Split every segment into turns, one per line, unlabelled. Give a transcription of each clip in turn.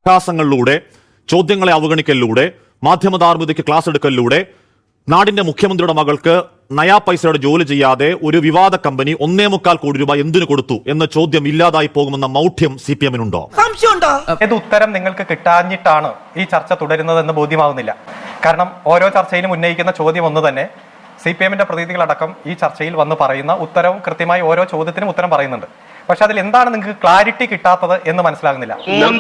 അഭ്യാസങ്ങളിലൂടെ, ചോദ്യങ്ങളെ അവഗണിക്കലിലൂടെ, മാധ്യമധാർമ്മികതയ്ക്ക് ക്ലാസ് എടുക്കലിലൂടെ നാടിന്റെ മുഖ്യമന്ത്രിയുടെ മകൾക്ക് നയാ പൈസയുടെ ജോലി ചെയ്യാതെ ഒരു വിവാദ കമ്പനി 1.25 കോടി രൂപ എന്തിനു കൊടുത്തു എന്ന ചോദ്യം ഇല്ലാതായി പോകുമെന്ന മൗഢ്യം CPM-നുണ്ടോ?
ഏത് ഉത്തരം നിങ്ങൾക്ക് കിട്ടാഞ്ഞിട്ടാണ് ഈ ചർച്ച തുടരുന്നതെന്ന് ബോധ്യമാവുന്നില്ല. കാരണം ഓരോ ചർച്ചയിലും ഉന്നയിക്കുന്ന ചോദ്യം ഒന്ന് തന്നെ. CPM-ന്റെ പ്രതിനിധികളടക്കം ഈ ചർച്ചയിൽ വന്ന് പറയുന്ന ഉത്തരവും കൃത്യമായി ഓരോ ചോദ്യത്തിനും ഉത്തരം പറയുന്നുണ്ട്. പക്ഷെ അതിൽ എന്താണ് നിങ്ങൾക്ക് ക്ലാരിറ്റി കിട്ടാത്തത് എന്ന് മനസ്സിലാകുന്നില്ല.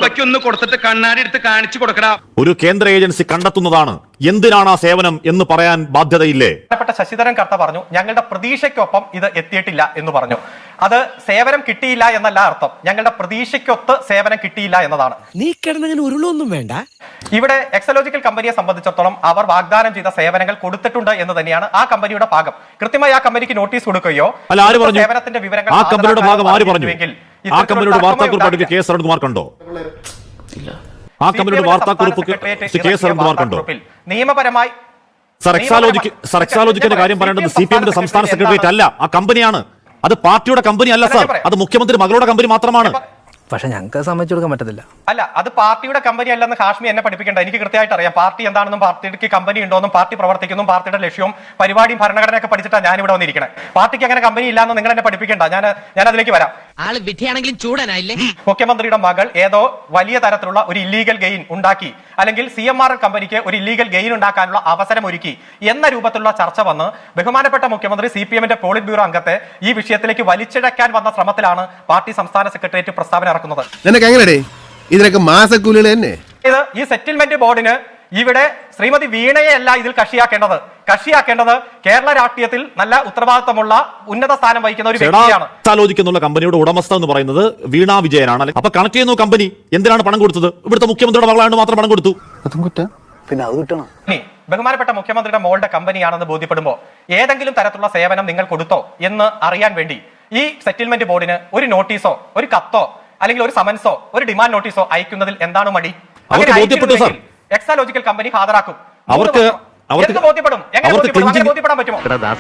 ഒരു കേന്ദ്ര ഏജൻസി കണ്ടെത്തുന്നതാണ് എന്തിനാണ് ആ സേവനം എന്ന് പറയാൻ ബാധ്യതയില്ലേ?
ശശിധരൻ കർത്ത പറഞ്ഞു ഞങ്ങളുടെ പ്രതീക്ഷയ്ക്കൊപ്പം ഇത് എത്തിയിട്ടില്ല എന്ന് പറഞ്ഞു. അത് സേവനം കിട്ടിയില്ല എന്നല്ല അർത്ഥം, ഞങ്ങളുടെ പ്രതീക്ഷയ്ക്കൊത്ത് സേവനം കിട്ടിയില്ല എന്നതാണ്.
നീ കിടന്നങ്ങനെ ഉരുളൊന്നും വേണ്ട.
ഇവിടെ എക്സലോജിക്കൽ കമ്പനിയെ സംബന്ധിച്ചിടത്തോളം അവർ വാഗ്ദാനം ചെയ്ത സേവനങ്ങൾ കൊടുത്തിട്ടുണ്ട് എന്ന് തന്നെയാണ് ആ കമ്പനിയുടെ ഭാഗം. കൃത്യമായി ആ കമ്പനിക്ക് നോട്ടീസ് കൊടുക്കുകയോ സേവനത്തിന്റെ വിവരങ്ങൾ
ആ കമ്പനിയുടെ ഭാഗം ആര് പറഞ്ഞു? ആ കമ്പനിയുടെ വാർത്താക്കുറിപ്പ് കെ സരൺകുമാർ കണ്ടോ? ആ കമ്പനിയുടെ വാർത്താക്കുറിപ്പ് കെ സരൺകുമാർ കണ്ടോ?
നിയമപരമായി
എക്സാലോജിക്കിന്റെ കാര്യം പറയേണ്ടത് CPM-ന്റെ സംസ്ഥാന സെക്രട്ടേറിയറ്റ് അല്ല, ആ കമ്പനിയാണ്. അത് പാർട്ടിയുടെ കമ്പനി അല്ല സാർ, അത് മുഖ്യമന്ത്രി മകളുടെ കമ്പനി മാത്രമാണ്.
പക്ഷെ ഞങ്ങൾക്ക് സമ്മതിച്ചു കൊടുക്കാൻ പറ്റത്തില്ല.
അല്ല, അത് പാർട്ടിയുടെ കമ്പനി അല്ലെന്ന് ഹാഷ്മി എന്നെ പഠിപ്പിക്കേണ്ട. എനിക്ക് കൃത്യമായിട്ട് അറിയാം പാർട്ടി എന്താണെന്നും പാർട്ടിക്ക് കമ്പനി ഉണ്ടോന്നും പാർട്ടി പ്രവർത്തിക്കുന്നു, പാർട്ടിയുടെ ലക്ഷ്യവും പരിപാടിയും ഭരണഘടനയൊക്കെ പഠിച്ചിട്ടാണ് ഞാൻ ഇവിടെ വന്നിരിക്കുന്നത്. പാർട്ടിക്ക് അങ്ങനെ കമ്പനി ഇല്ലാന്ന് നിങ്ങൾ എന്നെ പഠിപ്പിക്കേണ്ട. ഞാൻ അതിലേക്ക് വരാം.
ആള് വിധിയാണെങ്കിലും ചൂടനായില്ലേ?
മുഖ്യമന്ത്രിയുടെ മകൾ ഏതോ വലിയ തരത്തിലുള്ള ഒരു ഇല്ലീഗൽ ഗെയിൻ ഉണ്ടാക്കി, അല്ലെങ്കിൽ CMRL കമ്പനിക്ക് ഒരു ഇല്ലീഗൽ ഗെയിൻ ഉണ്ടാക്കാനുള്ള അവസരം ഒരുക്കി എന്ന രൂപത്തിലുള്ള ചർച്ച വന്ന് ബഹുമാനപ്പെട്ട മുഖ്യമന്ത്രി CPM-ന്റെ പോളിറ്റ് ബ്യൂറോ അംഗത്തെ ഈ വിഷയത്തിലേക്ക് വലിച്ചിഴക്കാൻ വന്ന ശ്രമത്തിലാണ് പാർട്ടി സംസ്ഥാന സെക്രട്ടേറിയറ്റ് പ്രസ്താവന ഇറക്കുന്നത്.
ഇതിനൊക്കെ മാസക്കൂലികൾ തന്നെ.
ഇത് ഈ സെറ്റിൽമെന്റ് ബോർഡിന് ഇവിടെ ശ്രീമതി വീണയെ അല്ല ഇതിൽ കക്ഷിയാക്കേണ്ടത് കേരള രാഷ്ട്രീയത്തിൽ നല്ല ഉത്തരവാദിത്തമുള്ള ഉന്നത സ്ഥാനം വഹിക്കുന്ന ഒരു വ്യക്തിയാണ്.
ആലോചിക്കുന്നുള്ള കമ്പനിയുടെ ഉടമസ്ഥ എന്ന് പറയുന്നത് വീണ വിജയനാണ്. അപ്പൊ കണക്ട് ചെയ്യുന്ന കമ്പനി എന്തിനാണ് പണം കൊടുത്തത്? ഇവിടുത്തെ മുഖ്യമന്ത്രിയുടെ മകളാണ് മാത്രം പണം കൊടുത്തു.
പിന്നെ അത് കിട്ടണം.
ബഹുമാനപ്പെട്ട മുഖ്യമന്ത്രിയുടെ മോളുടെ കമ്പനിയാണെന്ന് ബോധ്യപ്പെടുമ്പോൾ ഏതെങ്കിലും തരത്തിലുള്ള സേവനം നിങ്ങൾ കൊടുത്തോ എന്ന് അറിയാൻ വേണ്ടി ഈ സെറ്റിൽമെന്റ് ബോർഡിന് ഒരു നോട്ടീസോ ഒരു കത്തോ അല്ലെങ്കിൽ ഒരു സമൻസോ ഒരു ഡിമാൻഡ് നോട്ടീസോ അയക്കുന്നതിൽ എന്താണ് മടി? എക്സാലോജിക്കൽ കമ്പനി ഹാജരാക്കും.
അവർക്ക്
ബോധ്യപ്പെടാൻ പറ്റുമോ?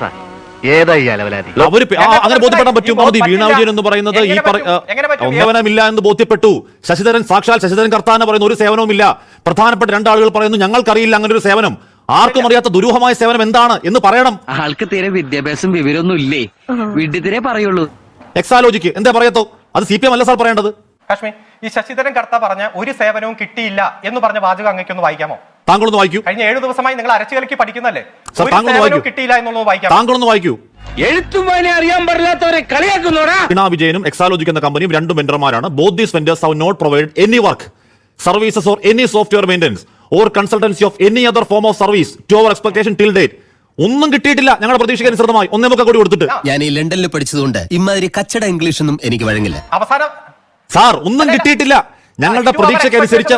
അങ്ങനെ ബോധ്യപ്പെടാൻ പറ്റും. വീണ വിജയൻ എന്ന് പറയുന്നത് ഈ സേവനമില്ല എന്ന് ബോധ്യപ്പെട്ടു. സാക്ഷാൽ ശശിധരൻ കർത്താന പറയുന്ന ഒരു സേവനവും ഇല്ല. പ്രധാനപ്പെട്ട രണ്ടാളുകൾ പറയുന്നു ഞങ്ങൾക്കറിയില്ല അങ്ങനെ ഒരു സേവനം. ആർക്കും അറിയാത്ത ദുരൂഹമായ സേവനം എന്താണ് എന്ന് പറയണം.
ആൾക്ക് തീരെ വിദ്യാഭ്യാസം വിവരമൊന്നും ഇല്ലേ, വീട്ടിൽ പറയുള്ളൂ.
എക്സാലോജിക്ക് എന്താ പറയത്തോ? അത് CPM അല്ല സാർ പറയേണ്ടത്.
കാശ്മീർ ഈ ശശിധരൻ കർത്ത പറഞ്ഞ ഒരു സേവനവും കിട്ടിയില്ല എന്ന് പറഞ്ഞ വാചകം അങ്ങേക്കൊന്ന് വായിക്കാമോ?
താങ്കളൊന്ന് വായിക്കൂ.
കഴിഞ്ഞ 7 ദിവസമായി നിങ്ങൾ അരച്ചുകലക്കി പഠിക്കുന്നല്ലേ? കിട്ടിയില്ല എന്നുള്ളത് വായിക്കാം.
താങ്കളൊന്ന് വായിക്കൂ.
എഴുത്തും വായന അറിയാൻ പാടില്ലാത്തവരെ കളിയാക്കുന്നോടാ.
വീണ വിജയനും എക്സാലോജിക് എന്ന കമ്പനിയും രണ്ടും വെണ്ടർമാരാണ്. Both these vendors have not provide any work, services or any software maintenance or consultancy of any other form of service to our expectation till date. ഒന്നും കിട്ടിയിട്ടില്ല. ഞങ്ങളുടെ പ്രതീക്ഷയ്ക്ക് അനുസൃതമായി 1.25 കോടി കൊടുത്തിട്ട്.
ഞാൻ ഈ ലണ്ടനിൽ പഠിച്ചതുകൊണ്ട് ഇമാതിരി കച്ചട ഇംഗ്ലീഷ് ഒന്നും എനിക്ക് വഴങ്ങില്ല.
അവസാനം
സാർ ഒന്നും കിട്ടിയിട്ടില്ല. ഞങ്ങളുടെ പ്രതീക്ഷയ്ക്കനുസരിച്ച്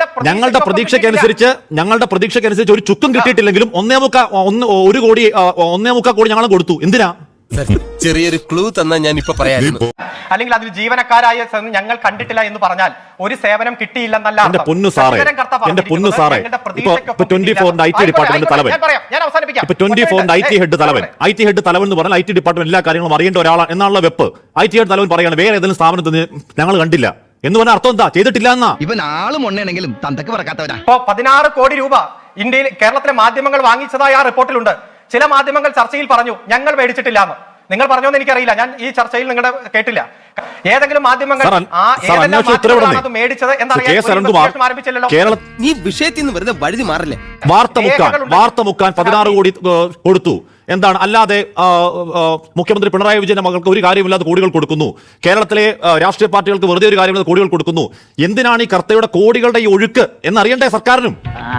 ഒരു ചുക്കും കിട്ടിയിട്ടില്ലെങ്കിലും 1.25 കോടി ഞങ്ങൾ കൊടുത്തു. എന്തിനാ?
ചെറിയൊരു ക്ലൂ തന്നാ ഞാൻ ഇപ്പൊ പറയായിരുന്നു.
അല്ലെങ്കിൽ അതിൽ ജീവനക്കാരായ ഞങ്ങൾ കണ്ടിട്ടില്ല എന്ന് പറഞ്ഞാൽ ഒരു സേവനം കിട്ടിയില്ലെന്നല്ല.
എന്റെ പൊന്നു സാറേ ഇപ്പൊ 24-ന്റെ IT ഡിപ്പാർട്ട്മെന്റ് തലവൻ, ഇപ്പൊ 24-ന്റെ IT ഹെഡ് തലവൻ എന്ന് പറഞ്ഞാൽ IT ഡിപ്പാർട്ട്മെന്റ് എല്ലാ കാര്യങ്ങളും അറിയേണ്ട ഒരാളാണ് എന്നാണല്ലോ വെപ്പ്. IT ഹെഡ് തലവൻ പറയാണ് വേറെ ഏതെങ്കിലും സ്ഥാപനത്തിന് ഞങ്ങൾ കണ്ടില്ല എന്ന് പറഞ്ഞ അർത്ഥം എന്താ? ചെയ്തിട്ടില്ല എന്നാ.
ഇവൻ ആളും ഒന്നെങ്കിലും തന്തക്ക് പറക്കാത്തവരാ.
16 കോടി രൂപ കേരളത്തിലെ മാധ്യമങ്ങൾ വാങ്ങിച്ചതായി ആ റിപ്പോർട്ടിലുണ്ട്. ചില മാധ്യമങ്ങൾ ചർച്ചയിൽ പറഞ്ഞു ഞങ്ങൾ മേടിച്ചിട്ടില്ല എന്ന്. നിങ്ങൾ പറഞ്ഞോന്ന് എനിക്കറിയില്ല, ഞാൻ ഈ ചർച്ചയിൽ നിങ്ങളുടെ കേട്ടില്ല. ഏതെങ്കിലും മാധ്യമങ്ങൾ മേടിച്ചത്
നീ വിഷയത്തിൽ നിന്ന് വെറുതെ വഴുതി മാറില്ലേ?
വാർത്ത മുക്കാൻ 16 കോടി കൊടുത്തു. എന്താണ്? അല്ലാതെ മുഖ്യമന്ത്രി പിണറായി വിജയന്റെ മകൾക്ക് ഒരു കാര്യമില്ലാതെ കോടികൾ കൊടുക്കുന്നു. കേരളത്തിലെ രാഷ്ട്രീയ പാർട്ടികൾക്ക് വെറുതെ ഒരു കാര്യമില്ലാതെ കോടികൾ കൊടുക്കുന്നു. എന്തിനാണ് ഈ കർത്തയുടെ കോടികളുടെ ഈ ഒഴുക്ക് എന്നറിയണ്ടേ സർക്കാരിനും?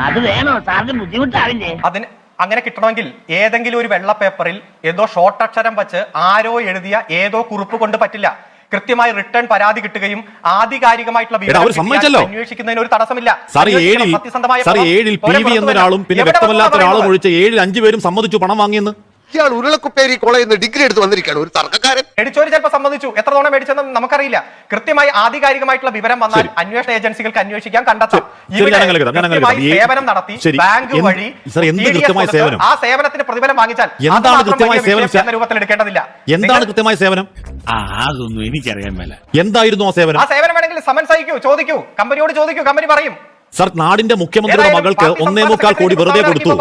അതിന് അങ്ങനെ കിട്ടണമെങ്കിൽ ഏതെങ്കിലും ഒരു വെള്ള പേപ്പറിൽ ഏതോ ഷോർട്ട് അക്ഷരം വെച്ച് ആരോ എഴുതിയ ഏതോ കുറിപ്പ് കൊണ്ട് പറ്റില്ല. കൃത്യമായി റിട്ടേൺ പരാതി കിട്ടുകയും ആധികാരികമായിട്ടുള്ള അന്വേഷിക്കുന്നതിന് ഒരു തടസ്സമില്ല.
ഒരാളും പിന്നെ വ്യക്തമല്ലാത്ത ഒരാളും ഒഴിച്ച് 7-ൽ 5 പേരും സമ്മതിച്ചു പണം വാങ്ങിയെന്ന്.
ഇയാൾ ഉരുളക്കുപ്പേരി കോളേജിൽ നിന്ന് ഡിഗ്രി എടുത്ത് വന്നിരിക്കുകയാണ് ഒരു തർക്കക്കാരൻ.
മേടിച്ചോര് ചിലപ്പോൾ സമ്മതിച്ചു, എത്ര തവണ മേടിച്ചെന്ന് നമുക്കറിയില്ല. കൃത്യമായി ആധികാരികമായിട്ടുള്ള വിവരം വന്നാൽ അന്വേഷണ ഏജൻസികൾക്ക് അന്വേഷിക്കാൻ കണ്ടെത്താം. സേവനം നടത്തി ബാങ്ക് വഴി ആ സേവനത്തിന് പ്രതിഫലം വാങ്ങിച്ചാൽ എന്ന രൂപത്തിൽ എടുക്കേണ്ടതില്ല.
എന്താണ് കൃത്യമായ സേവനം?
അതൊന്നും എനിക്കറിയാൻ മേല.
എന്തായിരുന്നു ആ സേവനം?
ആ സേവനം വേണമെങ്കിൽ സമൻസ് അയക്കൂ, ചോദിക്കൂ, കമ്പനിയോട് ചോദിക്കൂ, കമ്പനി പറയും.
സർ, നാടിന്റെ മുഖ്യമന്ത്രിയുടെ മകൾക്ക് 1.25 കോടി വെറുതെ കൊടുത്തു.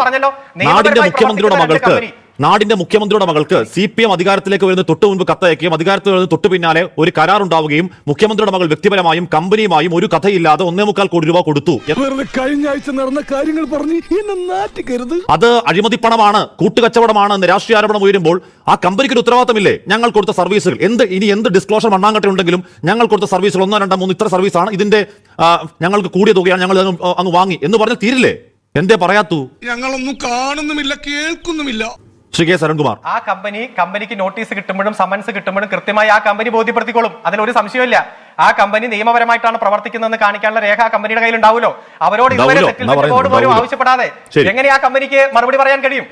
നാടിന്റെ മുഖ്യമന്ത്രിയുടെ മകൾക്ക് CPM അധികാരത്തിലേക്ക് വരുന്ന തൊട്ട് മുൻപ് കത്തയക്കുകയും അധികാരത്തിൽ വരുന്ന തൊട്ട് പിന്നാലെ ഒരു കരാർ ഉണ്ടാവുകയും മുഖ്യമന്ത്രിയുടെ മകൾ വ്യക്തിപരമായും കമ്പനിയുമായും ഒരു കഥയില്ലാതെ 1.25 കോടി രൂപ കൊടുത്തു.
കഴിഞ്ഞ ആഴ്ച നടന്ന കാര്യങ്ങൾ പറഞ്ഞ് എന്നെ നാറ്റിക്കരുത്.
അത് അഴിമതിപ്പണമാണ്, കൂട്ടുകച്ചവടമാണ് എന്ന് രാഷ്ട്രീയ ആരോപണം ഉയരുമ്പോൾ ആ കമ്പനിക്ക് ഒരു ഉത്തരവാദിത്തമില്ലേ? ഞങ്ങൾ കൊടുത്ത സർവീസുകൾ എന്ത് ഡിസ്ക്ലോഷർ മണ്ണാങ്കട്ട ഉണ്ടെങ്കിലും ഞങ്ങൾ കൊടുത്ത സർവീസുകൾ 1, 2, 3 ഇത്ര സർവീസാണ്, ഇതിന്റെ ഞങ്ങൾക്ക് കൂടിയ തുകയാണ്, ഞങ്ങൾ അങ്ങ് വാങ്ങി എന്ന് പറഞ്ഞാൽ തീരില്ലേ? എന്തേ പറയാത്തു?
ഞങ്ങളൊന്നും കാണുന്നുമില്ല, കേൾക്കുന്നുമില്ല.
ശ്രീ കെ സരൺകുമാർ,
ആ കമ്പനിക്ക് നോട്ടീസ് കിട്ടുമ്പോഴും സമൻസ് കിട്ടുമ്പോഴും കൃത്യമായി ആ കമ്പനി ബോധ്യപ്പെടുത്തിക്കോളും. അതിലൊരു സംശയമില്ല. ആ കമ്പനി നിയമപരമായിട്ടാണ് പ്രവർത്തിക്കുന്നതെന്ന് കാണിക്കാനുള്ള രേഖ ആ കമ്പനിയുടെ കയ്യിൽ ഉണ്ടാവുമല്ലോ. അവരോട് ഇതുവരെ സെറ്റിൽമെന്റ് പോലും ആവശ്യപ്പെടാതെ എങ്ങനെ ആ കമ്പനിക്ക് മറുപടി പറയാൻ കഴിയും?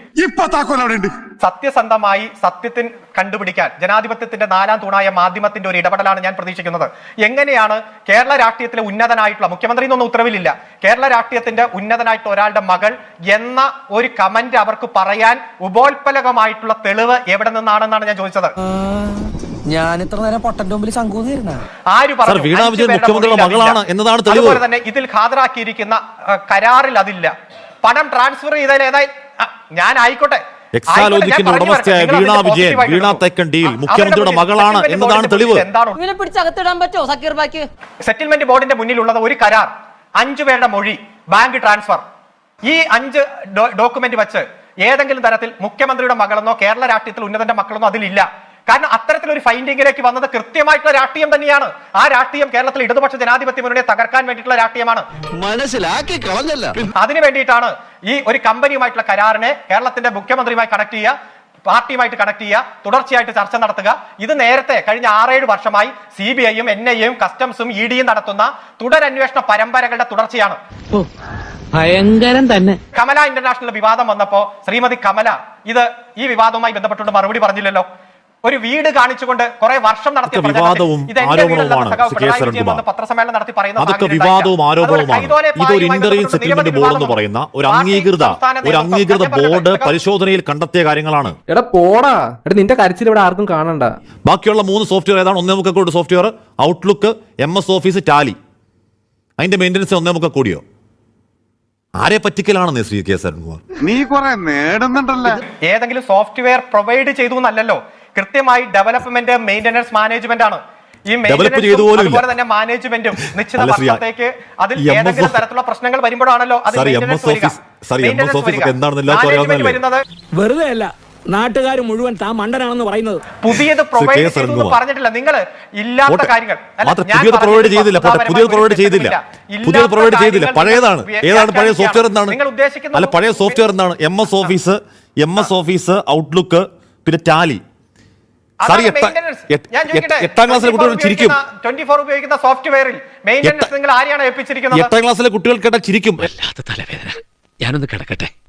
സത്യസന്ധമായി സത്യത്തിന് കണ്ടുപിടിക്കാൻ ജനാധിപത്യത്തിന്റെ 4ാം തൂണായ മാധ്യമത്തിന്റെ ഒരു ഇടപെടലാണ് ഞാൻ പ്രതീക്ഷിക്കുന്നത്. എങ്ങനെയാണ് കേരള രാഷ്ട്രീയത്തിലെ ഉന്നതനായിട്ടുള്ള മുഖ്യമന്ത്രി എന്നൊന്നും ഉത്തരവിലില്ല, കേരള രാഷ്ട്രീയത്തിന്റെ ഉന്നതനായിട്ടുള്ള ഒരാളുടെ മകൾ എന്ന ഒരു കമന്റ് അവർക്ക് പറയാൻ ഉപോത്പലകമായിട്ടുള്ള തെളിവ് എവിടെ നിന്നാണെന്നാണ് ഞാൻ ചോദിച്ചത്.
ഞാൻ ഇത്ര നേരം പൊട്ടന്റെ മുമ്പിൽ ശങ്കൂന്നിരുന്ന
ആര് പറഞ്ഞു?
വീണ വിജയൻ മുഖ്യമന്ത്രിയുടെ മകളാണ് എന്നതാണ് തെളിവ്.
അതുപോലെ തന്നെ ഇതിൽ ഹാജരാക്കിയിരിക്കുന്ന കരാറിൽ അതില്ല. പണം ട്രാൻസ്ഫർ ചെയ്തതിൽ ഞാൻ ആയിക്കോട്ടെ,
എക്സാലോജിക്കിന്റെ ഉടമസ്ഥയായ വീണ വിജയൻ, വീണ തെക്കൻഡിയിൽ മുഖ്യമന്ത്രിയുടെ മകളാണ് എന്നതാണ് തെളിവ്.
പിടിച്ചകത്തിടാൻ പറ്റുമോ സക്കീർ ബാക്കി?
സെറ്റിൽമെന്റ് ബോർഡിന്റെ മുന്നിലുള്ളത് ഒരു കരാർ, 5 പേരുടെ മൊഴി, ബാങ്ക് ട്രാൻസ്ഫർ. ഈ 5 ഡോക്യുമെന്റ് വെച്ച് ഏതെങ്കിലും തരത്തിൽ മുഖ്യമന്ത്രിയുടെ മകളെന്നോ കേരള രാഷ്ട്രീയത്തിൽ ഉന്നതന്റെ മക്കളെന്നോ അതിലില്ല. കാരണം അത്തരത്തിലൊരു ഫൈൻഡിങ്ങിലേക്ക് വന്നത് കൃത്യമായിട്ടുള്ള രാഷ്ട്രീയം തന്നെയാണ്. ആ രാഷ്ട്രീയം കേരളത്തിൽ ഇടതുപക്ഷ ജനാധിപത്യ മുന്നണിയെ തകർക്കാൻ വേണ്ടിയിട്ടുള്ള രാഷ്ട്രീയമാണ്.
മനസ്സിലാക്കി കളഞ്ഞല്ല.
അതിനു വേണ്ടിയിട്ടാണ് ഈ ഒരു കമ്പനിയുമായിട്ടുള്ള കരാറിനെ കേരളത്തിന്റെ മുഖ്യമന്ത്രിയുമായി കണക്ട് ചെയ്യുക, പാർട്ടിയുമായിട്ട് കണക്ട് ചെയ്യുക, തുടർച്ചയായിട്ട് ചർച്ച നടത്തുക. ഇത് നേരത്തെ കഴിഞ്ഞ 6-7 വർഷമായി CBIയും NIAയും കസ്റ്റംസും EDയും നടത്തുന്ന തുടരന്വേഷണ പരമ്പരകളുടെ തുടർച്ചയാണ്.
ഭയങ്കരം തന്നെ.
കമല ഇന്റർനാഷണൽ വിവാദം വന്നപ്പോ ശ്രീമതി കമല ഈ വിവാദവുമായി ബന്ധപ്പെട്ടുകൊണ്ട് മറുപടി പറഞ്ഞില്ലല്ലോ. ഒരു വീട് കാണിച്ചുകൊണ്ട് കുറെ വർഷം നടത്തിയ
വിവാദവും ആരോപണവുമാണ്
പത്രസമ്മേളനം നടത്തി
അതൊക്കെ വിവാദവും ആരോപണവുമാണ്. ഇതൊരു ഇന്റർവ്യൂ സെറ്റിൽമെന്റ് ബോർഡ് എന്ന് പറയുന്ന ഒരു അംഗീകൃത ബോർഡ് പരിശോധനയിൽ കണ്ടെത്തിയ കാര്യങ്ങളാണ്.
എടാ പോടാ, നിന്റെ കരച്ചിൽ ഇവിടെ ആർക്കും കാണണ്ട.
ബാക്കിയുള്ള 3 സോഫ്റ്റ്വെയർ ഏതാണ്? 1.25 കോടി software, Outlook, MS office, Tally. അതിന്റെ മെയിൻ്റനൻസ് 1.25 കോടിയോ? ആരെ പറ്റിക്കലാണെന്ന് ശ്രീ കെ സരൺകുമാർ?
നീ കുറെ നേടുന്നുണ്ടല്ലോ.
ഏതെങ്കിലും സോഫ്റ്റ്വെയർ പ്രൊവൈഡ് ചെയ്തു എന്നല്ലല്ലോ, കൃത്യമായി ഡെവലപ്മെന്റ്, മെയിന്റനൻസ്, മാനേജ്മെന്റ് ആണ്. ഈ അതുപോലെ തന്നെ മാനേജ്മെന്റും നിശ്ചിത വർഷത്തേക്ക് അതിൽ ഏതെങ്കിലും തരത്തിലുള്ള പ്രശ്നങ്ങൾ വരുമ്പോഴാണല്ലോ
വെറുതെ അല്ല നാട്ടുകാർ മുഴുവൻ താൻ മണ്ടനാണെന്ന് പറയുന്നത്.
പുതിയത് പ്രൊവൈഡ് ചെയ്തു പറഞ്ഞിട്ടില്ല. നിങ്ങൾ ഇല്ലാത്ത കാര്യങ്ങൾ
പുതിയത് പ്രൊവൈഡ് ചെയ്തില്ല. പഴയതാണ്. ഏതാണ് പഴയ സോഫ്റ്റ്വെയർ? എന്താണ് അല്ല പഴയ സോഫ്റ്റ്വെയർ? എന്താണ്? MS ഓഫീസ്, ഔട്ട്ലുക്ക്, പിന്നെ ടാലി. 8ാം ക്ലാസ്സിലെ കുട്ടികൾ ചിരിക്കും.
24 ഉപയോഗിക്കുന്ന സോഫ്റ്റ്വെയറിൽ മെയിൻ്റനൻസ് നിങ്ങൾ ആരെയാണ് ഏൽപ്പിച്ചിരിക്കുന്നത്?
8ാം ക്ലാസ്സിലെ കുട്ടികൾ കേട്ടാൽ ചിരിക്കും.
തലവേദന, ഞാനൊന്ന് കിടക്കട്ടെ.